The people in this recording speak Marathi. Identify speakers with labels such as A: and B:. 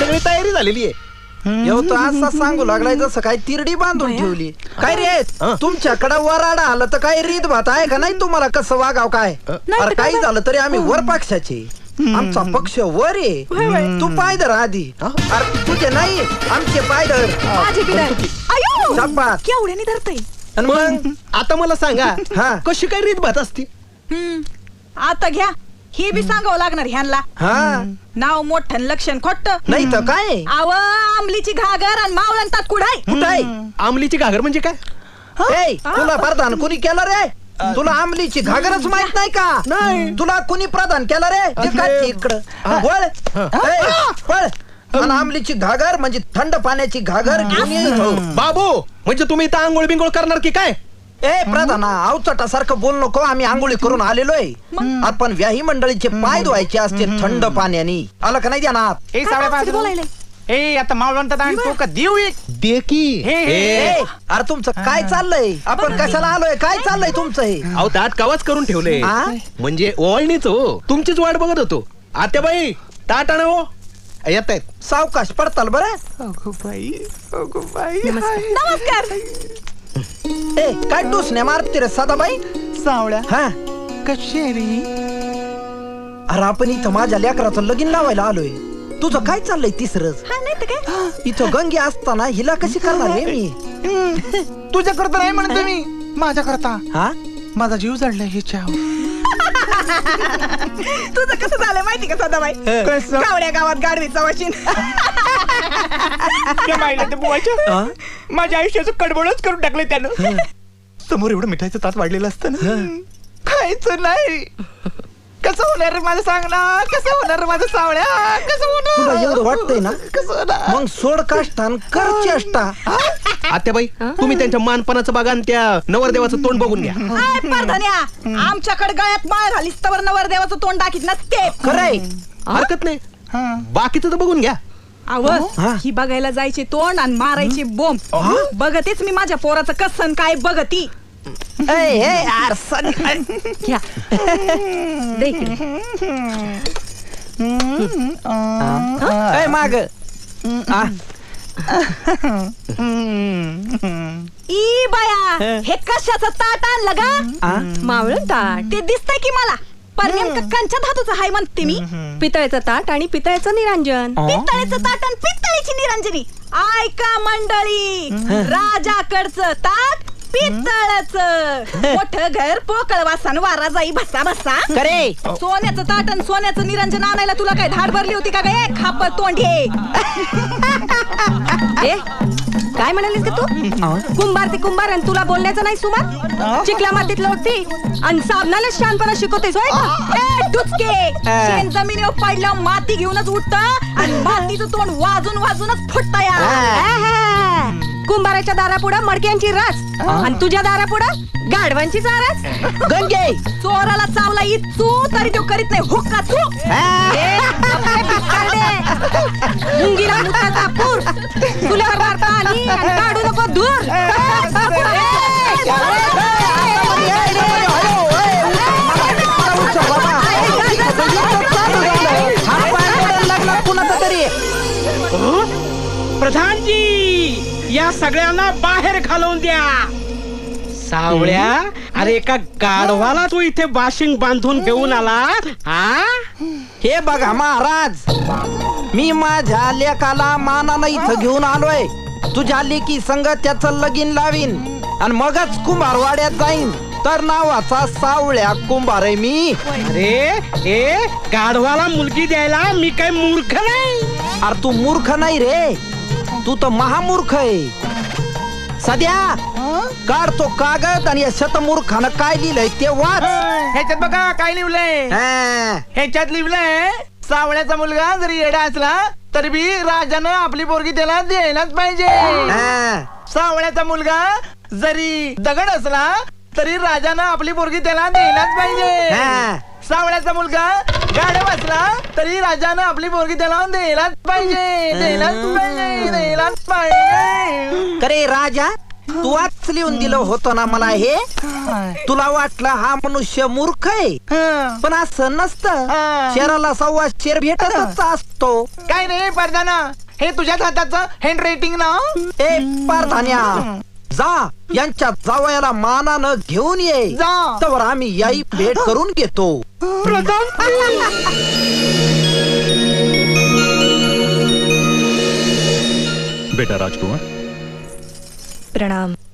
A: सगळी तयारी झालेली आहे.
B: तो असा सांगू लागलाय जसं काय तिरडी बांधून ठेवली. काय रे तुमच्याकडे वराडा आलं तर काय रीत भात आहे का नाही तुम्हाला? कसं वागाव काय? अरे काही झालं तरी आम्ही वर पक्षाचे, आमचा पक्ष वर आहे. तू पायदर आधी. अरे तुझे नाही आमचे पायदर.
C: केवढ्याने धरतय.
A: मग आता मला सांगा
B: हा.
A: कशी काय रीत भात असती?
C: आता घ्या, हे बी सांगावं लागणार ह्यांना.
B: हा
C: नाव मोठं लक्षण खोट
B: नाही तर काय?
C: आव आमलीची घागर आणि मावळंतात कुडाय.
B: कुठाय?
A: आमलीची घागर म्हणजे काय?
B: तुला प्रधान कुणी केलं रे? तुला आमलीची घागरच माहित नाही का?
A: नाही.
B: तुला कुणी प्रदान केलं रे? ते काय इकडं वळ. वळ. आणि आमलीची घागर म्हणजे थंड पाण्याची घागर घेऊन ये.
A: बाबू म्हणजे तुम्ही इथं आंघोळ बिंगोळ करणार की काय?
B: प्रधाना अवचटासारखं बोल नको. आम्ही आंघोळी करून आलेलोय. आपण व्याही मंडळीचे पाय धुवायचे असते थंड पाण्याने. आलं का नाही ध्यानात?
D: आता मावळंतात आणि तो का देऊ एक
A: दे की.
B: अरे तुमचं काय चाललंय? आपण कशाला आलोय? काय चाललंय तुमचं हे?
A: अहो ताट कावाच करून ठेवले म्हणजे ओळणीच हो. तुमचीच वाट बघत होतो. आत्याबाई ताट आणा हो. येत आहेत
B: सावकाश पडताल बरं.
C: नमस्कार.
B: काय टुसण्या मारते रे सदाबाई?
D: सावळ्या
B: हा
D: कशी रे?
B: अरे आपण इथं माझ्या लेकराचं लगीन लावायला आलोय. तुझं काय चाललंय तिसरंच? इथं गंगे असताना हिला कशी करणार रे मी?
D: तुझ्या करता नाही म्हणतो मी, माझ्या करता.
B: हा
D: माझा जीव जडलाय हिच्यावर.
C: तुझं कसं झालं माहिती का सदाबाई?
D: कसं?
C: कावड्या गावात गाडवीचा वाशिन.
D: माझ्या आयुष्याचं कडबडच करून टाकलंय त्यानं. समोर एवढं मिठाईचं ताट वाढलेलं असतं ना, खायचं नाही. कसं होणार रे माझं? सांग ना, कसं होणार रे माझं सावळ्या? कसं
B: तुला
D: होणार?
B: एवढं वाटतंय ना?
D: कसं होणार?
B: मग सोड काष्टान कर चेष्टा.
A: आत्याबाई तुम्ही त्यांच्या मानपणाचं बघा आणि त्या नवरदेवाचं तोंड बघून घ्या.
C: परधन्या आमच्याकडे गळ्यात माळ घालीस तर नवरदेवाचं तोंड दाखीत नसते.
B: खरंय.
A: हरकत नाही, बाकीचं तर बघून घ्या.
C: आव ही बघायला जायचे तोंड आणि मारायचे बोंब बघतेच मी माझ्या पोराचं कसन काय बघती.
E: घ्या दे इकडे.
B: माग
C: ई बाया हे कशाचं ताट आणलं गा?
E: मावळं ताट
C: ते दिसतंय की मला. पर नेमकं कंच्या धातूचं हाय म्हणते मी.
E: पितळेचं ताट आणि पितळेचं निरांजन.
C: पितळेचं ताट आणि पितळेची निरंजनी. ऐका मंडळी, राजाकडचं ताट पितळाचं. मोठं घर पोकळ वासान वारा जाई भसा भसा.
B: करे
C: सोन्याचं ताट आणि सोन्याचं निरंजन आणायला तुला काय धाड भरली होती का गे खाप तोंडे?
E: काय म्हणालीस का तू? कुंभार ते कुंभार आणि तुला बोलण्याचं नाही सुमार? चिकल्या मातीत लोटती आणि साबणाला शानपणा शिकवतेस होय का? डुचके शेण जमिनीवर पडल्यावर माती घेऊनच उठत आणि मातीचं तोंड वाजून वाजूनच फुटत. कुंभाराच्या दारापुढं मडक्यांची रास आणि तुझ्या दारापुढं गाढवांची चारास.
B: गंगे
C: चोराला चावला इचू तरी तो करीत नाही हुक्का चू. मुंगीला मुताचा पूर तुल्यावर मारता आणि काढू नको दूर.
B: कुणाचा तरी
D: प्रधानजी या सगळ्यांना बाहेर घालवून द्या. सावळ्या अरे एका गाढवाला तू इथे बाशिंग बांधून घेऊन आला.
B: हे बघा महाराज, मी माझ्या लेकाला मानानं इथं घेऊन आलोय. तुझ्या लेकी संग त्याचं लगीन लावीन आणि मगच कुंभारवाड्यात जाईन. तर नावाचा सावळ्या कुंभार आहे मी.
D: अरे गाढवाला मुलगी द्यायला मी काय मूर्ख नाही.
B: अरे तू मूर्ख नाही रे, तू तर महामूर्ख आहे. सध्या काढ तो कागद आणि या शतमूर्खानं काय लिहिलंय ते वाच.
D: ह्याच्यात बघा काय लिहिलंय. ह्याच्यात लिहिलंय सावळ्याचा मुलगा जरी येडा असला तरी बी राजानं आपली पोरगी त्याला द्यायलाच पाहिजे. सावळ्याचा मुलगा जरी दगड असला तरी राजानं आपली पोरगी त्याला द्यायलाच पाहिजे. सावळ्याचा मुलगा गाढव असला तरी राजानं आपली पोरगी त्याला द्यायलाच पाहिजे. द्यायलाच पाहिजे. द्यायलाच पाहिजे.
B: करे राजा तू आज लिहून दिलं होतं ना मला हे. तुला वाटलं हा मनुष्य मूर्ख आहे, पण असं नसतं. शेराला सव्वा शेर भेटतच असतो.
D: काय रे परदाना, हे तुझ्याच हाताचं हँड रायटिंग ना.
B: ए पारधान्या, जा यांच्या जावयाला मानानं घेऊन ये.
D: जा.
B: तर आम्ही याई भेट करून घेतो.
F: बेटा राजकुमार,
E: प्रणाम.